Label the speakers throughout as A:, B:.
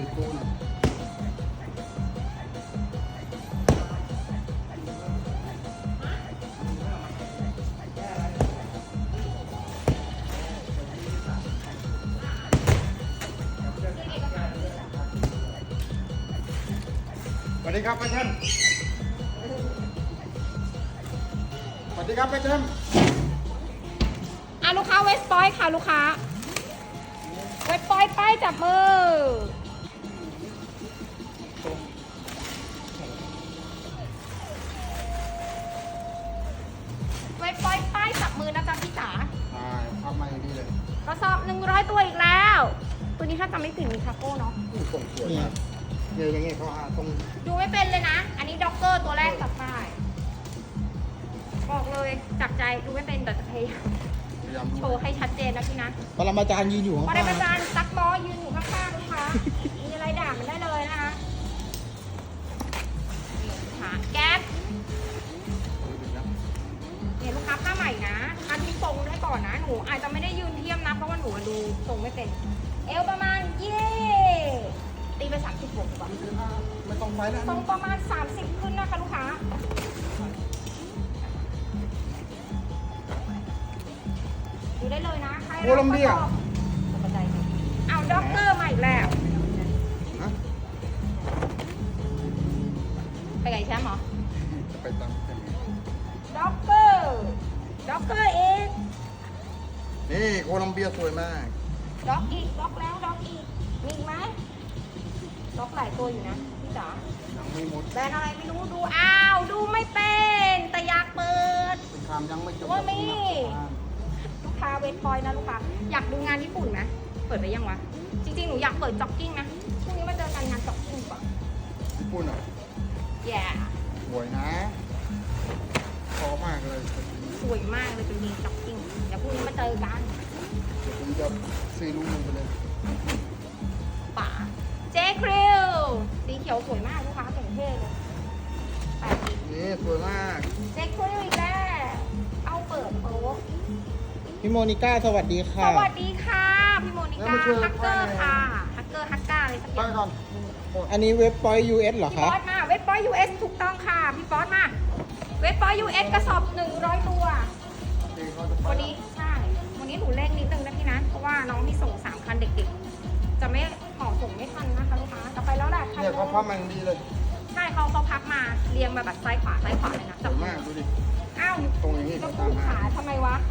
A: ปูนสวัสดีครับป้าเชนสวัสดีครับป้าเชน
B: ลูกค้าเวสปอยค่ะลูกค้าเวสปอยป้ายจับมือเวสปอยป้ายจับมือนะจ๊ะพี่จ๋า
A: ใช่ภาพมาอย่างนี้เลย
B: กระสอบ100 ตัวอีกแล้ว ตัวนี้ถ้าจำไม่ผิดมีคาโก้เนาะ
A: นี่ส่งสวยมากเนี่ยอย่างเงี้ยเขาหาตรง
B: ดูไม่เป็นเลยนะ อันนี้ด็อกเกอร์ตัวแรกตัดป้ายบอกเลยจากใจดูไม่เป็นแต่จะพยายาม
A: พยายาม
B: โชว์ให้ชัดเจนนะพี่นะ
C: ปรมาจารย์ยืนอยู่ข้าง
B: ป
C: ๆ
B: รมาจารย์ซักบอยืนอยู่ข้างๆลูกค้า มีอะไรด่ามันได้เลยนะคะนี่ลูกค้าแก๊ปเนี่ยลูกค้าผ้าใหม่นะอันที่ทรงได้ก่อนนะหนูอาจจะไม่ได้ยืนเทียมนะเพราะว่าหนูดูทรงไม่เป็น เอวประมาณตีไป30บวกดีกว่า
A: ไม่ต้องไปแล้ว
B: ทรงประมาณ30ขึ้นนะคะลูกค้าดูได้เลยนะใคร
A: โคลัมเบีย
B: เอาด็อกเตอร์มาอีกแล้ว
A: ฮะ
B: ไปไงแชมป์เหรอ
A: จะไปตามแค่นี้
B: ด็อกเตอร์เอง
A: นี่โคลัมเบียสวยมาก
B: ด็อกอีกด็อกแล้วด็อกอีกมีอีกไหมด็อกหลายตัวอยู่นะพี่จ๋า
A: ยังไม่หมด
B: แบรนด์อะไรไม่รู้ดูอ้าวดูไม่เป็นแต่อยากเปิด
A: สงครามยังไม่จบ
B: ว่ามี ลูกค้าเวทพอยต์นะลูกค้าอยากดูงานญี่ปุ่นไหมเปิดไปยังวะจริงๆหนูอยากเปิดจ็อกกิ้งนะพรุ่งนี้มาเจอกันงานจ็อกกิ้งดีกว่า
A: ญี่ปุ่นอ่ะ
B: แย่
A: สวยนะพอมากเลย
B: สวยมากเลยเป็นมีจ็อกกิ้งเดี๋ยวพรุ่งนี้มาเจอกัน
A: เดี๋ยวผมจะซื้อลูกนึงไปเลย
B: ป่าเจคริลสีเขียวสวยมากลูกค้าแต่งเท่เลย80
A: นี่สวยมาก
B: เจ๊คุยอีกแล้วเอาเปิดโต๊ะ
C: พี่โมนิก้าสวัสดี
B: ส
C: ค่ะ
B: วัสดีค่ะพี่โมนิก้าฮักเกอร์ค่ะฮักเกอร์อะไรสักอ
A: ไป
B: ย่าง
A: ก่อน
C: อันนี้เว็บปอย US เหรอ
B: พี่
C: คะ
B: บอสมาเว็บปอย US ถูกต้องค่ะพี่บอสมาเว็บปอย US กระสอบ100 ตัว
A: ดีเขาจะไป
B: วันนี้ใช่วันนี้หนูเร่งนิดนึงนะพี่นะเพราะว่าน้องที่ส่ง3คันเด็กๆจะไม่ห่อส่งไม่ทันนะคะลูกค้าจะไปแล้วแหละคัน
A: เนี่ยเขาพับมาอย่างดีเลย
B: ใช่เขาพับมาเรียงมาแบบซ้ายขวาเลยนะ
A: ส
B: จับ
A: วยมากดูดิ
B: อ้าว
A: ตรงอย่างนี้
B: ก็
A: เขา
B: ปู
A: ตามมา
B: ขาทำไมวะ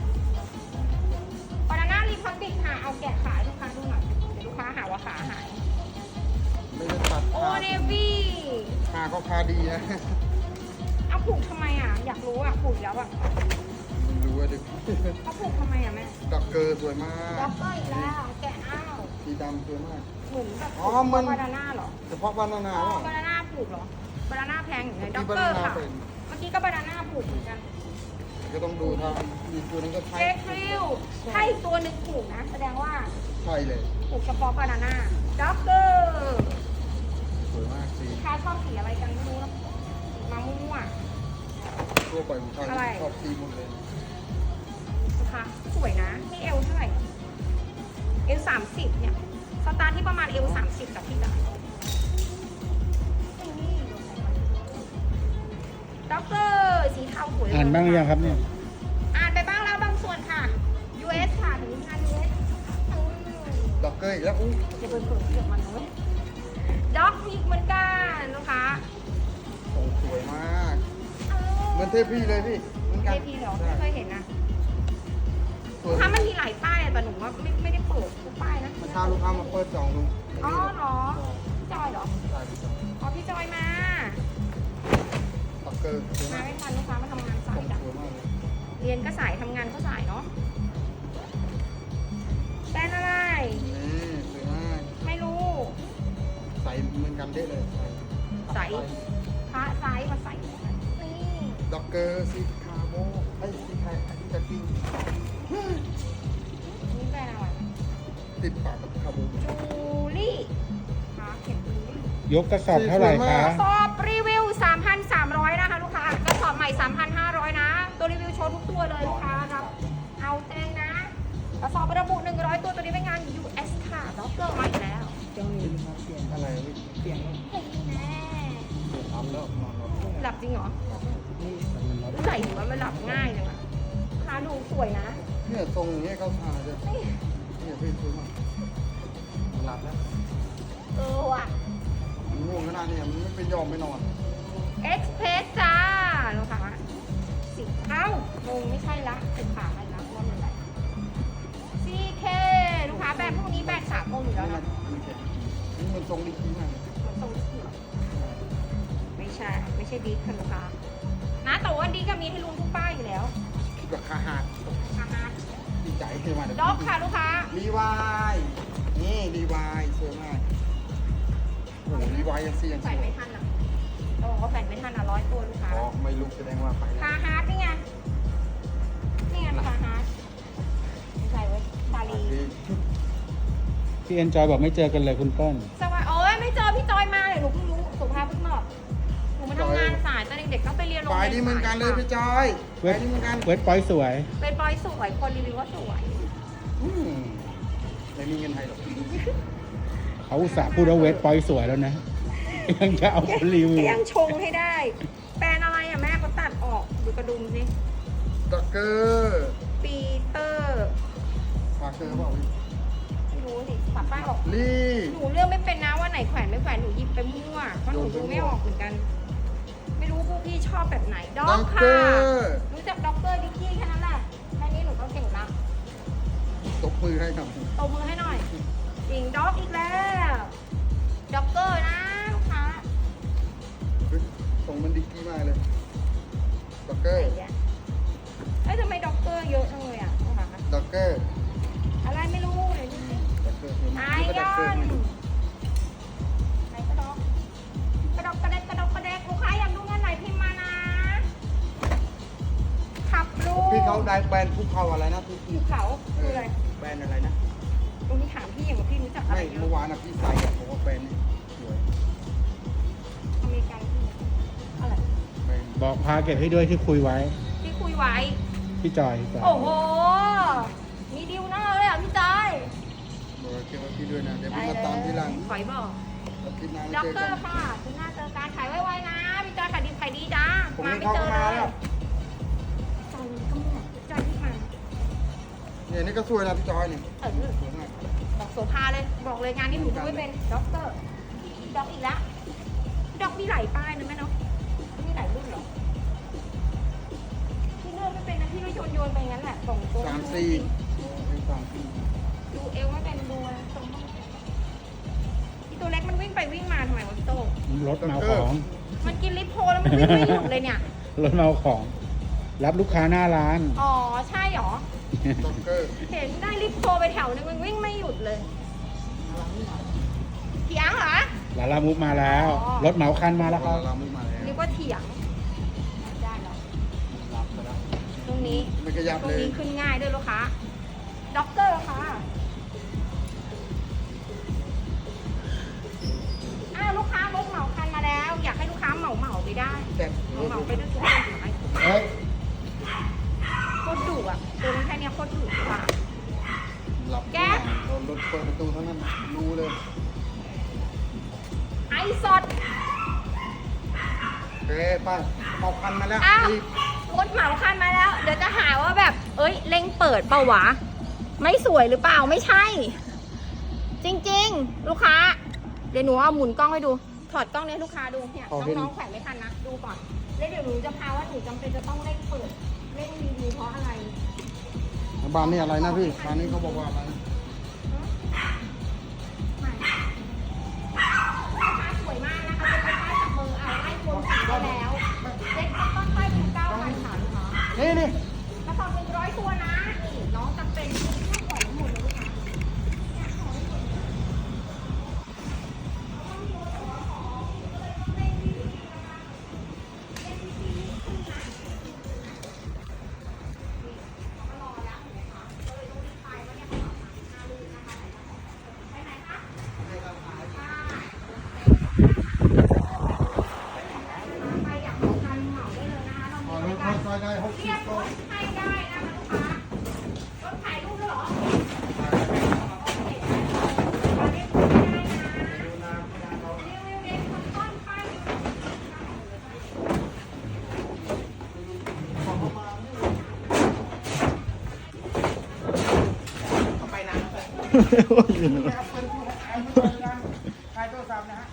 B: บานาน่ารีพับบิกค่ะ เอาแกะขายลูกค้าดูหน่อย เดี๋ยวลูกค้าหาว่าขาหาย
A: ไม่ได้ตัด
B: โอ
A: ขา
B: เนวี่
A: ขาเขาคาดีนะ
B: เอาผูกทำไมอ่ะ อยากรู้อ่ะ ผูกแล้วอ่ะ
A: ไม่รู้ว่าดิ
B: เขาผูกทำไมอ่ะแม่
A: ด็อกเกอร์สวยมาก
B: ด็อกเกอร์อีกแล้ว แกะอ้าว
A: สีดำสวยมาก
B: เหมือนแบบ
A: อ๋อมัน
B: บานาน่าเหรอ
A: เฉพาะบานาน่า
B: อ๋อ
A: เหรอบ
B: านาน่าผูกเหรอ บานาน่าแพงอย่างไงด็
A: ที่
B: อก
A: บา
B: เกอ
A: นา
B: ร์
A: น่า
B: ค่ะ
A: เป็น
B: เมื่อกี้ก็บานาน่าผูกเหมือนกัน
A: ก็ต้องดูทางมีตัวนั้นก็ใช่
B: เจ๊คริวถ้าอีกตัวหนึ่งผูกนะ แสดงว่า
A: ใช่เลย
B: ผูกเฉพาะบานาน่าด็อกเกอร์
A: สวยมากสี
B: ลูกค้าชอบสีอะไรกันไม่รู้นะมามั่ว
A: ทั่วไปผมชอบ
B: อะไร
A: ชอบสีหมดเลย
B: ๆนะคะสวยนะนี่เอวเท่าไหร่เอว30เนี่ยสตาร์ทที่ประมาณเอว30กับพี่จ๋าด็อกเตอร์สีเทาสวยเลย
C: อ่านบ้างหรือยังครับเนี่ย
B: อ่านไปบ้างแล้วบางส่วนค่ะ US ค่ะถึงงาน US
A: ด็อกเกอร์อีกแล้วอู้
B: จะเปิดเกือบมันเลยด็อกมีเหมือนกันนะคะ
A: ทรงสวยมากเหมือนเทพพี่เลยพี่เหมือน
B: เท
A: กัน
B: พีเหรอไม่เคยเห็นนะ
A: สวย
B: ถ้ามันมีหลายป้ายอะแต่หนูว่าไม่ได้เปิดทุกป้ายนะ
A: เมื่อเช้าลูกค้ามาเปิดจองดู
B: อ๋อเหรอจอยเหรอ
A: ใช่พี่จอง
B: อ๋อพี่จอยมา
A: ด็อกเกอร์สวย
B: มา
A: มาก
B: ไม่ทันลูกค้ามาทำงาน
A: ท
B: สา
A: ร
B: ย
A: ง
B: จ้ะ
A: สวยมากเลย
B: เรียนก็สายทำงานก็สายเนาะแบรนด์อะไร
A: นี่สวยมาก
B: ไม่รู้
A: ใส่เหมือนกันเด้เลย
B: ใส พระไซส์มาใส่นี่
A: ด็อกเกอร์สีคาโบไอ้ยสีไทยอันนี้จะกิน
B: นี่แบรนด์อะไร
A: ติดปากกับคาโบ
B: จูลี่ค่ะเขียนจูลี่
C: ยกกระสอบเท่าไหร่คะ
B: สอบรีวิว 3,300 นะคะลูกค้ากระสอบใหม่ 3,500 นะ ตัวรีวิวโชว์ทุกตัวเลยลูกค้าครับ เอาแจ้งนะกระสอบระบุ 100 ตัวตัวนี้เป็นงาน US ค่ะด็อกเกอร์มาอีกแล้ว
C: เจ้านี้
B: ลับจริงเหรอใส่ถือว่ามันหลับง่ายเลยว่ะลูกค้าดูสวยนะ
A: เนี่ยทรงอย่างเงี้ยเขาทาจะ
B: นี่
A: เนี่ยพี่ซื้อมาหลับแล้ว
B: ว่ะ
A: มันง่วงขนาดนี้มันไม่ไปยอมไม่นอน
B: เอ็กซ์เพรสจ้าลูกค้าสิเอ้างงไม่ใช่ละสิขาอะไรละว่ามันอะไรซีเคลูกค้าแบบพวกนี้แบบสากลอยู่แล้วนะ
A: นี่มันทรงดีจริงมาก
B: มันทรงเสือไม่ใช่ดิสค่ะลูกค้านะแต่ว่าดิสก็มีให้ลุงทุกป้ายอยู่แล้ว
A: ราคาหัก
B: อาหาร
A: ดีใจขึ้นมาเดี๋ยว
B: ด็อกค่ะลูกค้า
A: รีวายนี่รีวายสวยมากโอ้โหรีวายยังเสียง
B: แฝนไม่ทันอ่ะต้องบอกว่าแฝนไม่ทันอ่ะ100 ตัวลูกค้า
A: อ๋อไม่ลุกแสดงว่าไปแล้ว
B: คาฮาร์ดนี่ไงนี่ไงคาฮาร์ดไม่ใช่เว้ยซาลี
C: พี่เอ็นจอยบอกไม่เจอกันเลยคุณเปิ้ล
B: สวัสดีโอ้ยไม่เจอพี่จอยมาเลยหนูเพิ่งรู้สุภาพเพิ่งบอกหนูมาทำงานสายตอนเด็กๆต้องไปเรียนโรง
A: ไป
B: เรียน
A: นี่เหมือนกันเลยพี่จอยไป
C: เว็บ
A: นี่เหมือนกัน
C: เว็บปอยสวย
B: เป็นปอยสวยคนรีวิวว่าสวย
A: ไม่มีเงินไทยหรอก
C: เขาอุตส่าห์พูดว่าเว็บปอยสวยแล้วนะ ยังจะเอาคนรีวิว
B: ยังชงให้ได้ แปลนอะไรอ่ะแม่เขาตัดออกดูกระดุมสิ
A: ด็อกเกอร์
B: ปีเตอร์
A: พาเกอร์เปล่าพี่
B: ไม่รู้สิปัดป้ายออก
A: ลี่
B: หนูเลือกไม่เป็นนะว่าไหนแขวนไม่แขวนหนูหยิบไปมั่วเพราะหนูดูไม่ออกเหมือนกัน ไม่รู้พวกพี่ชอบแบบไหนด็อกค่ะรู้จักด็อกเกอร์ดิกกี้แค่นั้นแหละแค่นี้หนูก็เก่งละ
A: ตบมือให้ครับ
B: ตบมือให้หน่อยจริงด็อกอีกแล้วด็อกเกอร์นะลูกค้า
A: ส่งมันดีกี้มากเลยด็อกเกอ
B: ไอ้
A: ร์
B: เหี้ยเอ้ยทำไมด็อกเกอร์เยอะจังเลยอ่ะลูกค้า
A: ด็อกเกอร์
B: อะไรไม่รู้เลยดูสิ
A: ด็อกเกอร์คือ
B: ไอ
A: มัน
B: ย
A: ด็อก
B: อ
A: เกอร์
B: น
A: ไม่รู้
B: ไหนกระดอกกระดอกกระเดกกระดอกกระเดกลูกค้าอยากดูงานไหนพิมพ์มานะขับลูก
A: พี่เขาได้แบรนด์ภูเขาอะไรนะที่
B: ภูเขาคืออะไร
A: แบรนด์อะไรนะ
B: ตรงนี้ถามพี่อย่างว่าพี่รู้จักอะไร
A: ไม่
B: เย
A: เมื่อ
B: อะ
A: วานนะพี่ใส่อะผมว่าแบรนด์นี้สวย
B: อเมริกันพี่อะไร
A: แบรนด์
C: บอกพาเก็บให้ด้วยที่คุยไว้
B: ที่คุยไว้
C: พี่จอยพี่จอย
B: โอ้โห มีดิวหน้าเลยอ่ะพี่จอย
A: บอกเก็บไว้พี่ด้วยนะเดี๋ยวพี่มาตามทีหลัง
B: ขอยบอก
A: อาทิตย์หน้า
B: ด็อก
A: เจอ
B: เกอ
A: กัน
B: ร์ค่ะคุณหน้าเจอการขายไวๆนะพี่จอยขายดีจ้า
A: ผม
B: มา
A: นี่
B: ไม่
A: เขา
B: เจ
A: ก็
B: อ
A: มา
B: เลย
A: แล้ว
B: จอยก็ไม่หพี่จอยที่มา
A: เนี่ยนี่ก็สวยนะพี่จอยนี่
B: เออ
A: สวยมาก
B: บอกโสภาเลยบอกเลยงานนี้หนูดูไม่เป็นด็อกเกอร์ด็อกอีกแล้วด็อกมีหลายป้ายนะแม่เนาะมีหลายรุ่นเหรอพี่เลือกไม่เป็นนะพี่ก็โยนไปงั้นแหละส่งตัว
A: 3-4
B: ดูเอวไม่เป็นดูอะไรตรงบ้างอีตัวเล็กมันวิ่งไปวิ่งมาทำไมวะพี่โต้ง
C: รถเมาของ
B: มันกินลิปโพแล้วมันวิ่งไม่หยุดเลยเนี่ย
C: รถเมาของ รับลูกค้าหน้าร้าน
B: อ๋อใช่เหรอ
A: ด็อกเกอร์
B: เห็นได้ลิปโพไปแถวนึงมันวิ่งไม่หยุดเลยเถียงเหรอ
C: ลาลามุกมาแล้ว
B: อ๋อ
C: รถเหมาคันมาแล้วครับ
A: เราไม่มาแล้ว
B: เรียกว่าเถียงได้แล้ว
A: รับไปแล้ว
B: ตรงนี้
A: ไม่ขยับ
B: ตรง
A: เลย
B: นี้ขึ้นง่ายด้วยลูกค้าด็อกเกอร์ค่ะอ้าวลูกค้ารถเหมาคันมาแล้ว อยากให้ลูกค้าเหมาไปได้
A: แต่
B: เหมาไปด้วยทุกคนไหม
A: เฮ้ย
B: โคตรดุอ่ะตัวมันแค่เนี้ยโคตรดุว่ะ
A: หลับ
B: แก๊ส
A: โดนรถเปิดประตูเท่านั้นรู้เลย
B: ไอสด
A: โอเคไปเอาคันมาแล้ว
B: อ้าว
A: รีบ
B: รถเหมาคันมาแล้ว เดี๋ยวจะหาว่าแบบ เอ้ยเร่งเปิดเปล่าวะ ไม่สวยหรือเปล่าไม่ใช่ จริงๆ ลูกค้า เดี๋ยวหนูเอาหมุนกล้องให้ดู ถอดกล้องนี้ให้ลูกค้าดูเนี่ยน้องๆแขวนไม่ทันนะดูก่อนแล้วเดี๋ยวหนูจะพาว่าหนูจำเป็นจะต้องเร่งเปิดเร่งรีวิวเพราะอะไร
A: บ้านนี้อะไรนะพี่บ้านนี้เขาบอกว่าอะไรนะ
B: สวยมากนะคะเป็นป้ายจับมืออ่ะไล่รวมสีได้แล้วเซ็ตต้นป้ายเป็น9,000ค่ะลูกค้า
A: นี่
B: กระสอบเป็น100 ตัวนะนี่น้องจำเป็นต้องปล่อยหมดเลยลูกค้าเนี่ยขอให้หมดเลยเพราะว่ามีรถแต่ว่าของก็เลยต้องเร่งรีบนะคะเร่งรีบขึ้นนะนี่เขามารอแล้วเห็นไหมคะก็เลยต้องรีบไปว่าเนี่ยเขา
A: ขายโทรศัพท์นะฮะ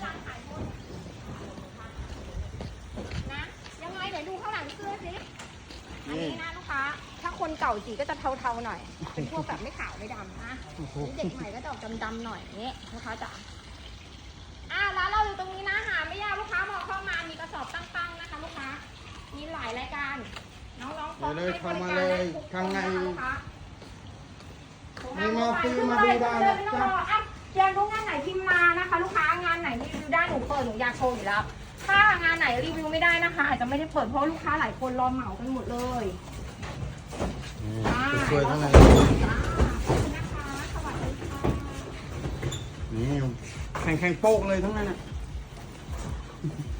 B: นะยังไงเดี๋ยวดูข้างหลังเสื้อสิอันนี้นะลูกค้าถ้าคนเก่าสีก็จะเทาๆหน่อยเป็นพวกแบบไม่ขาวไม่ดำนะเด็กใหม่ก็จะออกดำๆหน่อยอย่างนี้ลูกค้าจ๋าร้านเราอยู่ตรงนี้นะหาไม่ยากลูกค้ามองเข้ามามีกระสอบตั้งๆนะคะลูกค้ามีหลายรายการน้องๆพร้อมให้บริการได้ทุกคนนะคะลูกค้า
A: มีมาฟรีมาดูได้นะจ๊ะ
B: อยากรู้งานไหนพิมพ์มานะคะ ลูกค้างานไหนรีวิวได้หนูเปิดหนูอยากโชว์อยู่แล้ว ถ้างานไหนรีวิวไม่ได้นะคะ อาจจะไม่ได้เปิดเพราะลูกค้าหลายคนรอเหมากันหมดเลย
A: สวยๆทั้งนั้น
B: ขอบคุณนะคะสวัสดีค่ะ
A: นี่แข่งโป๊กเลยทั้งนั้นอ่ะ